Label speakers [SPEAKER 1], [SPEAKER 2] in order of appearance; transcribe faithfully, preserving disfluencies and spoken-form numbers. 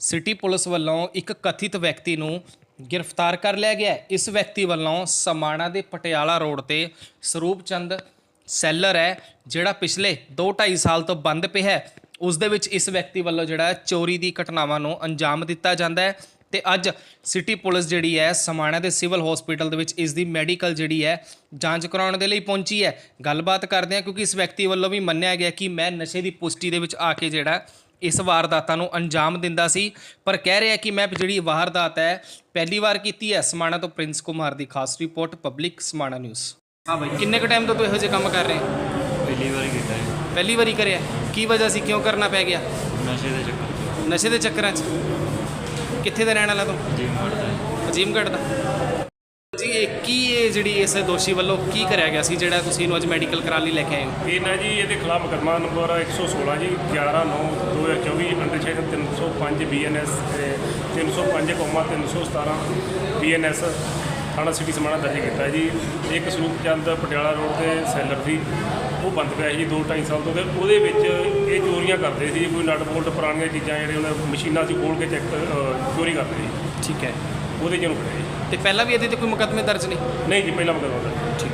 [SPEAKER 1] City police ਵੱਲੋਂ ਇੱਕ ਕਥਿਤ ਵਿਅਕਤੀ ਨੂੰ ਗ੍ਰਿਫਤਾਰ ਕਰ ਲਿਆ ਗਿਆ ਹੈ। ਇਸ ਵਿਅਕਤੀ ਵੱਲੋਂ ਸਮਾਣਾ ਦੇ ਪਟਿਆਲਾ ਰੋਡ ਤੇ ਸਰੂਪ ਚੰਦ ਸੈਲਰ ਹੈ ਜਿਹੜਾ ਪਿਛਲੇ ਦੋ ਢਾਈ ਸਾਲ ਤੋਂ ਬੰਦ ਪਿਆ ਹੈ। ਉਸ ਦੇ ਵਿੱਚ ਇਸ ਵਿਅਕਤੀ ਵੱਲੋਂ ਜਿਹੜਾ ਚੋਰੀ ਦੀ ਘਟਨਾਵਾਂ ਨੂੰ ਅੰਜਾਮ ਦਿੱਤਾ ਜਾਂਦਾ ਹੈ ਤੇ ਅੱਜ ਸਿਟੀ ਪੁਲਿਸ ਜਿਹੜੀ ਹੈ ਸਮਾਣਾ ਦੇ ਸਿਵਲ ਹਸਪੀਟਲ ਦੇ ਵਿੱਚ ਇਸ ਦੀ ਮੈਡੀਕਲ ਜਿਹੜੀ ਹੈ ਜਾਂਚ ਕਰਾਉਣ ਦੇ ਲਈ ਪਹੁੰਚੀ ਹੈ। ਗੱਲਬਾਤ ਕਰਦੇ ਹਾਂ ਕਿਉਂਕਿ ਇਸ ਵਿਅਕਤੀ ਵੱਲੋਂ ਵੀ ਮੰਨਿਆ ਗਿਆ ਕਿ ਮੈਂ ਨਸ਼ੇ ਦੀ ਪੁਸ਼ਟੀ ਦੇ ਵਿੱਚ ਆ ਕੇ ਜਿਹੜਾ ਇਸ ਵਾਰਦਾਤਾਂ ਨੂੰ ਅੰਜਾਮ ਦਿੰਦਾ ਸੀ, ਪਰ ਕਹਿ ਰਿਹਾ ਕਿ ਮੈਂ ਜਿਹੜੀ ਵਾਰਦਾਤ ਹੈ ਪਹਿਲੀ ਵਾਰ ਕੀਤੀ ਹੈ। ਸਮਾਣਾ ਤੋਂ ਪ੍ਰਿੰਸ ਕੁਮਾਰ ਦੀ ਖਾਸ ਰਿਪੋਰਟ, ਪਬਲਿਕ ਸਮਾਣਾ ਨਿਊਜ਼। ਹਾਂ ਬਾਈ, ਕਿੰਨੇ ਕੁ ਟਾਈਮ ਤੋਂ ਤੂੰ ਇਹੋ ਜਿਹੇ ਕੰਮ ਕਰ ਰਹੇ ਹੋ?
[SPEAKER 2] ਪਹਿਲੀ ਵਾਰੀ ਕੀਤਾ ਹੈ।
[SPEAKER 1] ਪਹਿਲੀ ਵਾਰੀ ਕਰਿਆ? ਕੀ ਵਜ੍ਹਾ ਸੀ, ਕਿਉਂ ਕਰਨਾ ਪੈ ਗਿਆ?
[SPEAKER 2] ਨਸ਼ੇ ਦੇ ਚੱਕਰ 'ਚ।
[SPEAKER 1] ਨਸ਼ੇ ਦੇ ਚੱਕਰਾਂ 'ਚ? ਕਿੱਥੇ ਦਾ ਰਹਿਣ ਵਾਲਾ ਤੂੰ?
[SPEAKER 2] ਅਜੀਮਗੜ੍ਹ ਦਾ।
[SPEAKER 1] ਅਜੀਮਗੜ੍ਹ ਦਾ। ਜੀ ਇਹ ਕੀ ਇਹ ਜਿਹੜੀ ਇਸ ਦੋਸ਼ੀ ਵੱਲੋਂ ਕੀ ਕਰਿਆ ਗਿਆ ਸੀ ਜਿਹੜਾ ਤੁਸੀਂ ਇਹਨੂੰ ਅੱਜ ਮੈਡੀਕਲ ਕਰਾਉਣ ਲਈ ਲੈ ਕੇ ਆਏ ਹੋ?
[SPEAKER 3] ਇਹ ਨਾ ਜੀ ਇਹਦੇ ਖਿਲਾਫ ਮੁਕੱਦਮਾ ਨੰਬਰ ਇੱਕ ਸੌ ਸੋਲਾਂ ਜੀ ਗਿਆਰਾਂ ਨੌ ਦੋ ਹਜ਼ਾਰ ਚੌਵੀ ਅੰਡਰ ਸੈਕਸ਼ਨ ਤਿੰਨ ਸੌ ਪੰਜ ਬੀ ਐਨ ਐਸ ਤਿੰਨ ਸੌ ਪੰਜ ਕੌਮਾ ਤਿੰਨ ਸੌ ਸਤਾਰਾਂ ਬੀ ਐਨ ਐਸ ਥਾਣਾ ਸਿਟੀ ਸਮਾਣਾ ਦਰਜ ਕੀਤਾ ਜੀ। ਇੱਕ ਸਰੂਪ ਚੰਦ ਪਟਿਆਲਾ ਰੋਡ ਤੇ ਸੈਲਰ ਸੀ, ਉਹ ਬੰਦ ਪਿਆ ਸੀ ਦੋ ਢਾਈ ਸਾਲ ਤੋਂ, ਤੇ ਉਹਦੇ ਵਿੱਚ ਇਹ ਚੋਰੀਆਂ ਕਰਦੇ ਸੀ। ਕੋਈ ਨਟ ਬੋਲਟ ਪੁਰਾਣੀਆਂ ਚੀਜ਼ਾਂ ਜਿਹੜੇ ਉਹਨਾਂ ਮਸ਼ੀਨਾਂ ਸੀ ਖੋਲ੍ਹ ਕੇ ਚੈੱਕ ਚੋਰੀ ਕਰਦੇ ਸੀ।
[SPEAKER 1] ਠੀਕ ਹੈ,
[SPEAKER 3] ਉਹਦੇ 'ਚ ਇਹਨੂੰ ਫੜਿਆ ਜੀ।
[SPEAKER 1] ਤੇ ਪਹਿਲਾਂ ਵੀ ਇਹਦੇ ਤੇ ਕੋਈ ਮੁਕੱਦਮੇ ਦਰਜ ਨਹੀਂ?
[SPEAKER 3] ਨਹੀਂ ਜੀ, ਪਹਿਲਾਂ ਮੁਕੱਦਮਾ ਦਰਜ।
[SPEAKER 1] ਠੀਕ।